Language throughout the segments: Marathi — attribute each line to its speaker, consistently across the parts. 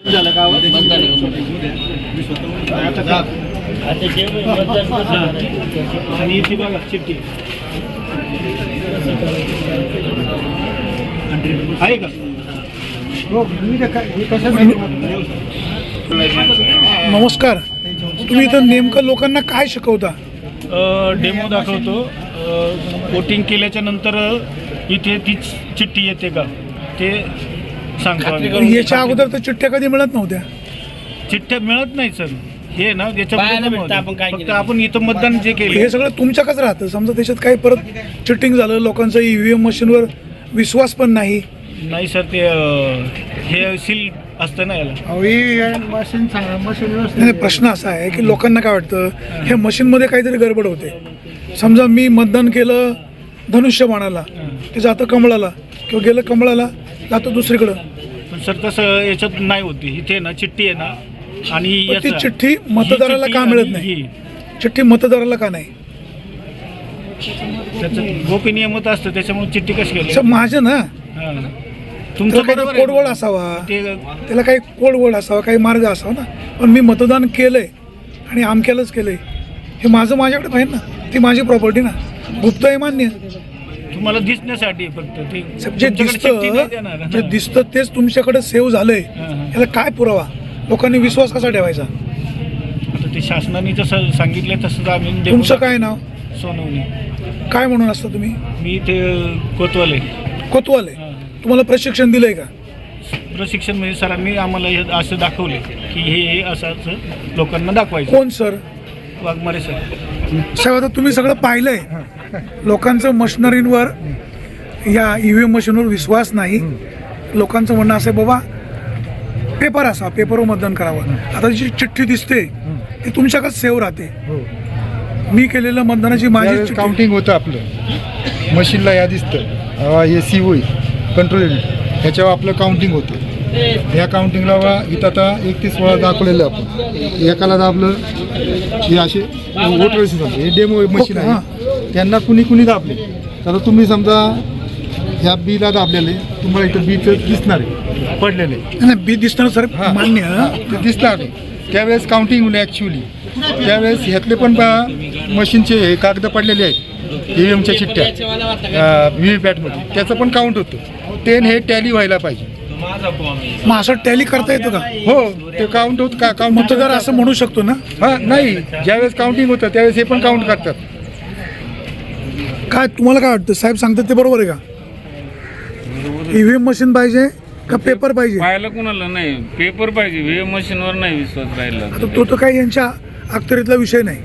Speaker 1: झालं का आणि इथे बघा चिठ्ठी आहे का?
Speaker 2: नमस्कार, तुम्ही इथं नेमकं लोकांना काय शिकवता?
Speaker 1: डेमो दाखवतो. वोटिंग केल्याच्या नंतर इथे तीच चिठ्ठी येते का ते सांगतो.
Speaker 2: याच्या अगोदर तर चिठ्ठ्या कधी मिळत नव्हत्या.
Speaker 1: चिठ्ठ्या मिळत नाही सर. हे ना फक्त आपण इथं मतदान जे केलं
Speaker 2: हे सगळं तुमच्याकच राहतं. समजा त्याच्यात काही परत चिटिंग झालं, लोकांचा EVM मशीनवर विश्वास पण नाही.
Speaker 1: नाही सर, ते हे सील असतं ना याला.
Speaker 2: नाही, प्रश्न असा आहे की लोकांना काय वाटतं, हे मशीनमध्ये काहीतरी गडबड होते. समजा मी मतदान केलं धनुष्यबाणाला, ते जातं कमळाला, किंवा गेलं कमळाला जातं दुसरीकडं.
Speaker 1: पण सर तसं याच्यात नाही होती. इथे ना चिठ्ठी आहे ना, आणि
Speaker 2: ती चिठ्ठी मतदाराला का मिळत नाही? चिठ्ठी मतदाराला का नाही?
Speaker 1: त्याचं गोपनीय मत असतं, त्याच्यामुळे चिठ्ठी कशी केली?
Speaker 2: माझं ना,
Speaker 1: तुमचं
Speaker 2: काही कोडवळ असावा, त्याला काही कोडवळ असावा, काही मार्ग असावा ना. पण मी मतदान केलंय आणि आमक्यालाच केलंय, हे माझ्याकडे पाहिजे ना. ती माझी प्रॉपर्टी ना. गुप्त आहे मान्य,
Speaker 1: तुम्हाला दिसण्यासाठी फक्त ते
Speaker 2: जे दिसतं तेच तुमच्याकडे सेव्ह झालंय. याला काय पुरावा? लोकांनी विश्वास कसा ठेवायचा?
Speaker 1: आता ते शासनाने जसं सांगितलं तसंच आम्ही.
Speaker 2: तुमचं काय नाव?
Speaker 1: सोनवणे.
Speaker 2: काय म्हणून असतं तुम्ही?
Speaker 1: मी ते कोतवाले.
Speaker 2: कोतवाले. तुम्हाला प्रशिक्षण दिलंय का?
Speaker 1: प्रशिक्षण म्हणजे सरांनी आम्हाला हे असं दाखवले की हे असं लोकांना दाखवायचं.
Speaker 2: कोण सर?
Speaker 1: वाघमारे सर.
Speaker 2: साहेब, आता तुम्ही सगळं पाहिलंय. लोकांचं मशिनरींवर, या EVM मशीनवर विश्वास नाही. लोकांचं म्हणणं असं आहे, बाबा पेपर असा, पेपरवर मतदान करावं. आता जी चिठ्ठी दिसते ती तुमच्याकडे सेव्ह राहते. मी केलेलं मतदानाची माझी
Speaker 3: काउंटिंग होतं आपलं मशीनला, या दिसतं हे COE कंट्रोल युनिट, ह्याच्यावर आपलं काउंटिंग होतं. ह्या काउंटिंगला इथं आता 31 वेळा दाखवलेलं आपण. एकाला दाबलं हे असे वोटर हे डेमो मशीन आहे, त्यांना कुणी दाबले. तर तुम्ही समजा ह्या बीला दाबलेले, तुम्हाला इथं बीचं दिसणार आहे पडलेले.
Speaker 2: नाही, बी दिसणार सर, मान्य.
Speaker 3: ते दिसणार त्यावेळेस काउंटिंग होईल ॲक्च्युली. त्यावेळेस ह्यातले पण मशीनचे हे कागद पडलेले आहेत, EVMच्या चिठ्ठ्या VVPATमध्ये, त्याचं पण काउंट होतं. हे टॅली व्हायला पाहिजे.
Speaker 2: मग असं टॅली करता येतं का?
Speaker 3: हो, ते काउंट होत का? काउंट
Speaker 2: मतदार असं म्हणू शकतो ना?
Speaker 3: हां, नाही, ज्यावेळेस काउंटिंग होतं त्यावेळेस हे पण काउंट करतात.
Speaker 2: काय तुम्हाला काय वाटतं? साहेब सांगतात ते बरोबर आहे का? EVM मशीन पाहिजे का पेपर पाहिजे?
Speaker 4: पाहायला कोणाला नाही, पेपर पाहिजे. EVM मशीनवर नाही विश्वास राहिला.
Speaker 2: आता तो तर काही यांच्या अखत्यारीतला विषय नाही.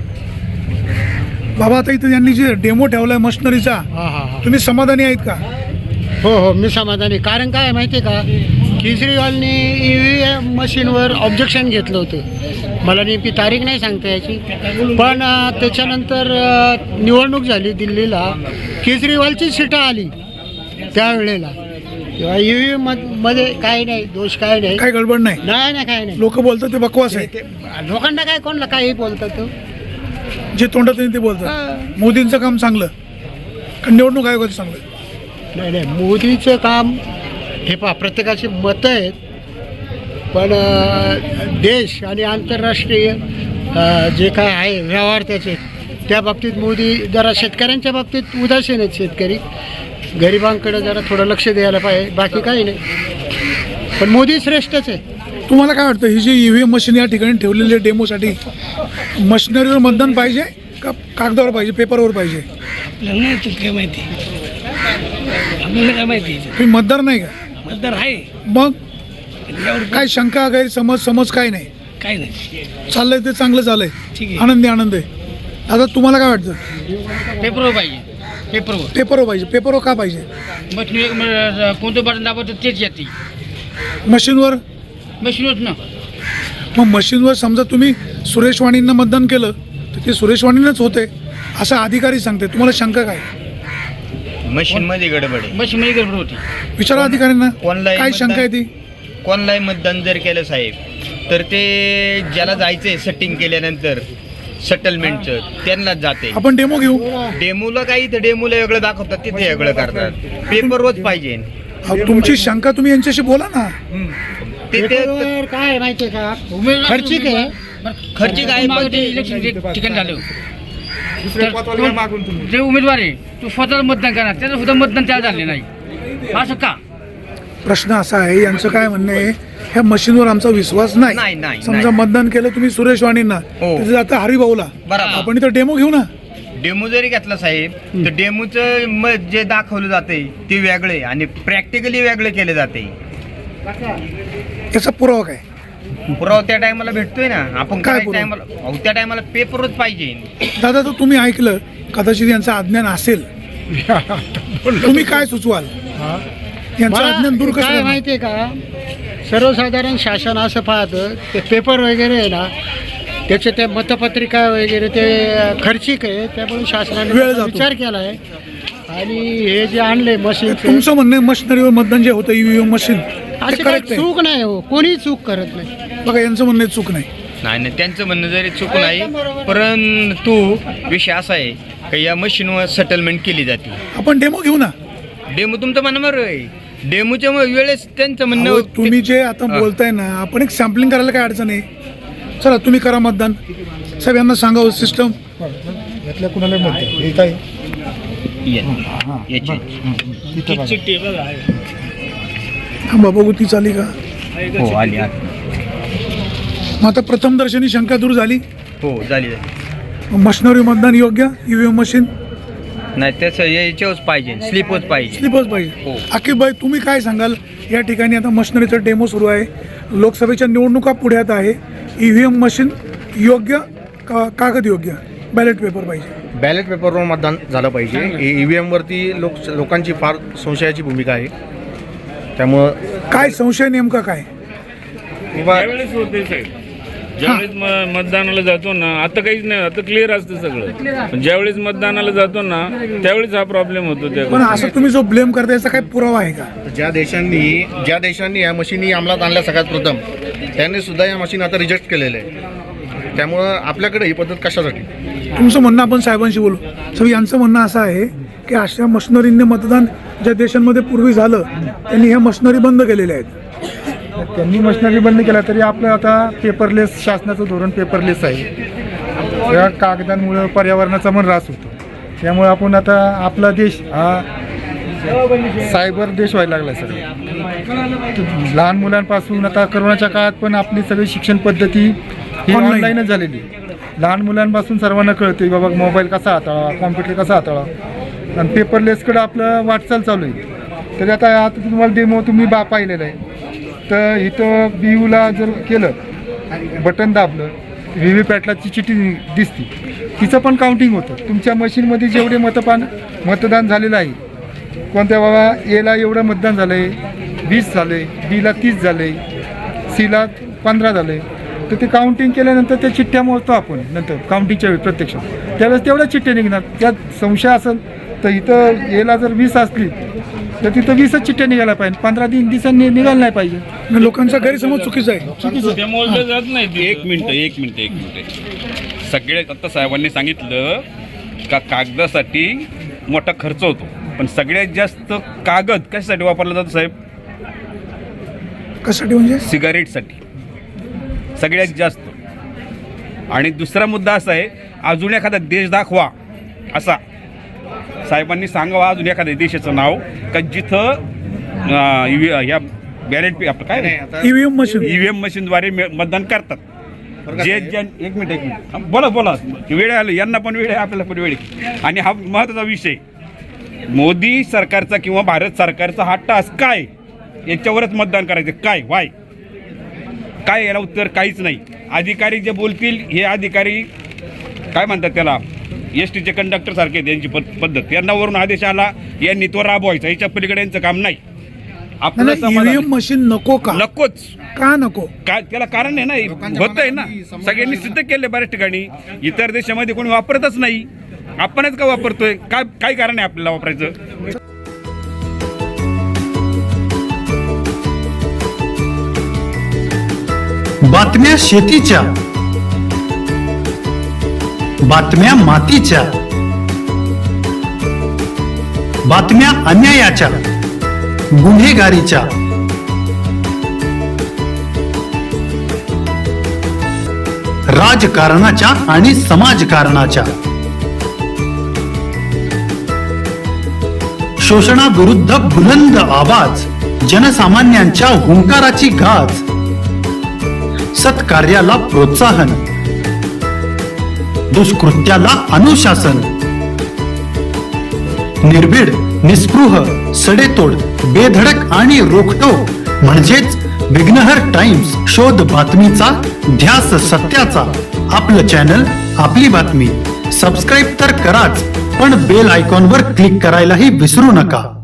Speaker 2: बाबा, आता इथं यांनी जे डेमो ठेवलाय मशिनरीचा, तुम्ही समाधानी आहेत का?
Speaker 5: हो, मी समाधानी. कारण काय माहिती आहे का, केजरीवालने EVM मशीनवर ऑब्जेक्शन घेतलं होतं. मला नेमकी तारीख नाही सांगता याची, पण त्याच्यानंतर निवडणूक झाली दिल्लीला, केजरीवालची सीटं आली त्यावेळेला. तेव्हा EVM मध्ये काय नाही, दोष काय नाही,
Speaker 2: काही गडबड नाही.
Speaker 5: नाही काय नाही.
Speaker 2: लोक बोलतात ते बकवास आहे.
Speaker 5: लोकांना काय, कोणला काही बोलतात तो,
Speaker 2: जे तोंडात येईल ते बोलतात. मोदींचं काम चांगलं का निवडणूक आयोगाचं चांगलं?
Speaker 5: नाही, मोदीचं काम हे प्रत्येकाची मतं आहेत, पण देश आणि आंतरराष्ट्रीय जे काय आहे व्यवहार त्याचे, त्या बाबतीत मोदी जरा शेतकऱ्यांच्या बाबतीत उदासीन आहेत. शेतकरी गरिबांकडे जरा थोडं लक्ष द्यायला पाहिजे, बाकी काही नाही. पण मोदी श्रेष्ठच आहे.
Speaker 2: तुम्हाला काय वाटतं, ही जी EVM मशीन या ठिकाणी ठेवलेली आहे डेमोसाठी, मशिनरीवर मतदान पाहिजे का कागदावर पाहिजे, पेपरवर पाहिजे?
Speaker 6: आपल्याला नाही काय माहिती, आपल्याला काय माहिती.
Speaker 2: तुम्ही मतदार नाही का?
Speaker 6: मतदार आहे.
Speaker 2: मग काय शंका, गैरसमज काय नाही?
Speaker 6: काय नाही,
Speaker 2: चाललंय ते चांगलं चाललंय,
Speaker 6: ठीक आहे.
Speaker 2: आनंद आहे. आता तुम्हाला काय वाटतं?
Speaker 6: पेपरवर पाहिजे.
Speaker 2: पेपरवर पाहिजे. पेपरवर का पाहिजे?
Speaker 6: कोणतं बटन दाबतं तेच येते.
Speaker 2: मशीनवर
Speaker 6: ना
Speaker 2: मग मशीनवर समजा तुम्ही सुरेश वाणींना मतदान केलं तर ते सुरेश वाणींनाच होते असं अधिकारी सांगते. तुम्हाला शंका काय?
Speaker 7: मशीनमध्ये गडबड आहे.
Speaker 6: मशीनमध्ये गडबड होती.
Speaker 2: विचारा अधिकाऱ्यांना
Speaker 7: ऑनलाईन
Speaker 2: काय शंका आहे ती.
Speaker 7: ऑनलाईन मतदान जर केलं साहेब, तर ते ज्याला जायचंय सेटिंग केल्यानंतर सेटलमेंटचं त्यांनाच जाते.
Speaker 2: आपण डेमो घेऊ.
Speaker 7: डेमोला काही तर डेमोला वेगळं दाखवतात, तिथे वेगळं करतात. पेपर रोज पाहिजे.
Speaker 2: तुमची शंका तुम्ही यांच्याशी बोला ना.
Speaker 5: पेपरवर काय आहे माहितीये का, खर्चिक आहे.
Speaker 7: खर्चिक आहे पण ते
Speaker 6: इलेक्शन ठिकाण झालं
Speaker 3: दुसऱ्या पदाला मागून तुम्ही
Speaker 6: जे उमेदवार आहे तो स्वतःच मतदान करणार, त्याचं सुद्धा मतदान त्याला झाले नाही. असं का?
Speaker 2: प्रश्न असा आहे, यांचं काय म्हणणं आहे, ह्या मशीनवर आमचा विश्वास
Speaker 7: नाही,
Speaker 2: नाही.
Speaker 7: नाही,
Speaker 2: समजा
Speaker 7: नाही.
Speaker 2: मतदान केलं तुम्ही सुरेश वाणींना,
Speaker 7: हो.
Speaker 2: त्याचं आता हरिभाऊला,
Speaker 7: बरोबर.
Speaker 2: आपण इथं डेमो घेऊ ना.
Speaker 7: डेमो जरी घेतला साहेब तर डेमोचं जे दाखवलं जाते ते वेगळे आणि प्रॅक्टिकली वेगळे केले जाते.
Speaker 2: याचा पुरावा काय?
Speaker 7: पुरावा त्या टायमाला भेटतोय ना. आपण
Speaker 2: काय
Speaker 7: काय
Speaker 2: पुरावा?
Speaker 7: टायमाला त्या टायमाला पेपरच पाहिजे.
Speaker 2: दादा, तर तुम्ही ऐकलं, कदाचित यांचं अज्ञान असेल, तुम्ही काय सुचवाल? यांचं अज्ञान दूर कसं
Speaker 5: काय
Speaker 2: करणार?
Speaker 5: माहितीये का, सर्वसाधारण शासन असं पाहतं ते पेपर वगैरे आहे ना, त्याचे ते मतपत्रिका वगैरे ते खर्चिक आहे, त्यामुळे शासनाने
Speaker 2: वेळ
Speaker 5: त्याचा
Speaker 2: जातो.
Speaker 5: विचार केला आहे. आणि हे जे आणले मशीन,
Speaker 2: तुमचं म्हणणं आहे मशिनरीवर मतदान जे होतं ईव्हीएम मशीन,
Speaker 5: अशी
Speaker 2: ते
Speaker 5: काही
Speaker 2: correct आहे.
Speaker 5: चूक नाही हो, कोणी चूक करत नाही.
Speaker 2: बघा, यांचं म्हणणं आहे चूक नाही.
Speaker 7: नाही, त्यांचं म्हणणं जरी चूक नाही, परंतु विषय असा आहे की या मशीनवर सेटलमेंट केली जाते.
Speaker 2: आपण डेमो घेऊ ना.
Speaker 7: डेमो तुमचं म्हणणं बरोबर आहे. डेमोच्या वेळेस त्यांचं म्हणणं
Speaker 2: अहो, तुम्ही जे आता बोलताय ना, आपण एक सॅम्पलिंग करायला काय अडचण आहे? चला, तुम्ही करा मतदान. साहेब, यांना सांगा सिस्टम.
Speaker 3: यातल्या कुणाला म्हणते हे काय
Speaker 7: याची
Speaker 1: चिठ्ठी बघा आहे.
Speaker 2: थांबा, बघू ती चाली का.
Speaker 7: हो आली
Speaker 2: मग आता प्रथम दर्शनी शंका दूर झाली.
Speaker 7: हो झाली.
Speaker 2: मशिनरी मतदान योग्य, ईव्हीएम मशीन
Speaker 7: नाही त्याचं याच्यावरच पाहिजे, स्लिपच पाहिजे.
Speaker 2: स्लिपच पाहिजे.
Speaker 7: हो.
Speaker 2: आकिब भाई, तुम्ही काय सांगाल? या ठिकाणी आता मशिनरीचा डेमो सुरू आहे, लोकसभेच्या निवडणुका पुढ्यात आहे. ईव्हीएम मशीन योग्य का कागद योग्य, बॅलेट पेपर पाहिजे?
Speaker 8: बॅलेट पेपरवर मतदान झालं पाहिजे. ईव्हीएमवरती लोकांची फार संशयाची भूमिका आहे. त्यामुळं
Speaker 2: काय संशय नेमका काय?
Speaker 4: त्यावेळेस होते साहेब, ज्यावेळेस मतदानाला जातो ना, आता काहीच नाही, आता क्लिअर असतं सगळं. पण ज्यावेळेस मतदानाला जातो ना, त्यावेळेस हा प्रॉब्लेम होतो.
Speaker 2: पण
Speaker 4: त्या
Speaker 2: असं तुम्ही जो ब्लेम करता, याचा काय पुरावा आहे का?
Speaker 8: ज्या देशांनी या मशीनी अंमलात आणल्या सगळ्यात प्रथम, त्यांनी सुद्धा या मशीन आता रिजेक्ट केलेल्या आहे. त्यामुळं आपल्याकडे ही पद्धत कशासाठी?
Speaker 2: तुमचं म्हणणं आपण साहेबांशी बोलू. सर, यांचं म्हणणं असं आहे की अशा मशिनरींनी मतदान ज्या देशांमध्ये पूर्वी झालं, त्यांनी ह्या मशिनरी बंद केलेल्या आहेत.
Speaker 3: त्यांनी मशिनरी बंद केला तरी आपलं आता पेपरलेस, शासनाचं धोरण पेपरलेस आहे. या कागदांमुळं पर्यावरणाचा पण ऱ्हास होतो. त्यामुळे आपण आता आपला देश हा सायबर देश व्हायला लागला सगळं. लहान मुलांपासून आता करोनाच्या काळात पण आपली सगळी शिक्षण पद्धती ही
Speaker 2: Online.
Speaker 3: ऑनलाईनच झालेली. लहान मुलांपासून सर्वांना कळते बाबा मोबाईल कसा हाताळावा, कॉम्प्युटर कसा हाताळावा, आणि पेपरलेसकडे आपलं वाटचाल चालू आहे. तर आता तुम्हाला डेमो तुम्ही पाहिलेलं आहे. तर इथं BUला जर केलं, बटन दाबलं, व्हीव्हीपॅटलाची चिठ्ठी दिसती, तिचं पण काउंटिंग होतं. तुमच्या मशीनमध्ये जेवढे मतदान झालेलं आहे, कोणत्या बाबा Aला एवढं मतदान झालं आहे, 20 झालं आहे, Bला 30 झालं आहे, Cला 15 झालं आहे. तर ते काउंटिंग केल्यानंतर त्या चिठ्ठ्या मोजतो आपण नंतर काउंटिंगच्या वेळी प्रत्यक्षात. त्यावेळेस तेवढ्या चिठ्ठ्या निघणार. त्यात संशय असेल तर इथं Aला जर 20 असली तर तिथं 20च चिठ्ठ्या निघायला पाहिजे, 15 दिवसांनी निघायला नाही पाहिजे.
Speaker 2: आणि लोकांचा गैरसमज चुकीचा आहे.
Speaker 4: ते मोजलं जात नाही ते.
Speaker 9: एक मिनिट. सगळे आता साहेबांनी सांगितलं का कागदासाठी मोठा खर्च होतो, पण सगळ्यात जास्त कागद कशासाठी वापरला जातो साहेब?
Speaker 2: कशासाठी म्हणजे?
Speaker 9: सिगारेटसाठी सगळ्यात जास्त. आणि दुसरा मुद्दा असा आहे, अजून एखादा देश दाखवा असा साहेबांनी सांगावा, अजून एखाद्या देशाचं नाव का जिथं ह्या बॅलेट आपलं काय नाही
Speaker 2: ईव्हीएम मशीन
Speaker 9: ईव्हीएम मशीनद्वारे मतदान करतात. जे एक मिनिट बोला वेळ आलं, यांना पण वेळ आहे, आपल्याला पण वेळ आहे. आणि हा महत्त्वाचा विषय, मोदी सरकारचा किंवा भारत सरकारचा हा टास्क काय, याच्यावरच मतदान करायचं. काय याला उत्तर काहीच नाही. अधिकारी जे बोलतील हे अधिकारी काय म्हणतात त्याला, STचे कंडक्टर सारखे त्यांची पद्धत. यांना वरून आदेश आला, यांनी तो राबवायचा, याच्या पलीकडे यांचं काम नाही. आपलं
Speaker 2: ईव्हीएम मशीन नको का?
Speaker 9: नकोच.
Speaker 2: का नको?
Speaker 9: काय त्याला कारण आहे ना, होत आहे ना, सगळ्यांनी सिद्ध केले बऱ्याच ठिकाणी. इतर देशामध्ये कोणी वापरतच नाही, आपणच का वापरतोय? काय कारण आहे आपल्याला वापरायचं?
Speaker 10: बातम्या शेतीच्या, बातम्या मातीच्या, बातम्या अन्यायाच्या, गुन्हेगारीच्या, राजकारणाच्या आणि समाजकारणाच्या. शोषणाविरुद्ध बुलंद आवाज, जनसामान्यांच्या हुंकाराची गाज, सत्कार्याला प्रोत्साहन, दुष्कृत्याला अनुशासन. निर्भीड, निस्पृह, सडेतोड, बेधडक आणि रोखटोक म्हणजेच विघ्नहर टाइम्स. शोध बातमीचा, ध्यास सत्याचा. आपलं चॅनल, आपली बातमी. सबस्क्राईब तर कराच, पण बेल आयकॉनवर क्लिक करायलाही विसरू नका.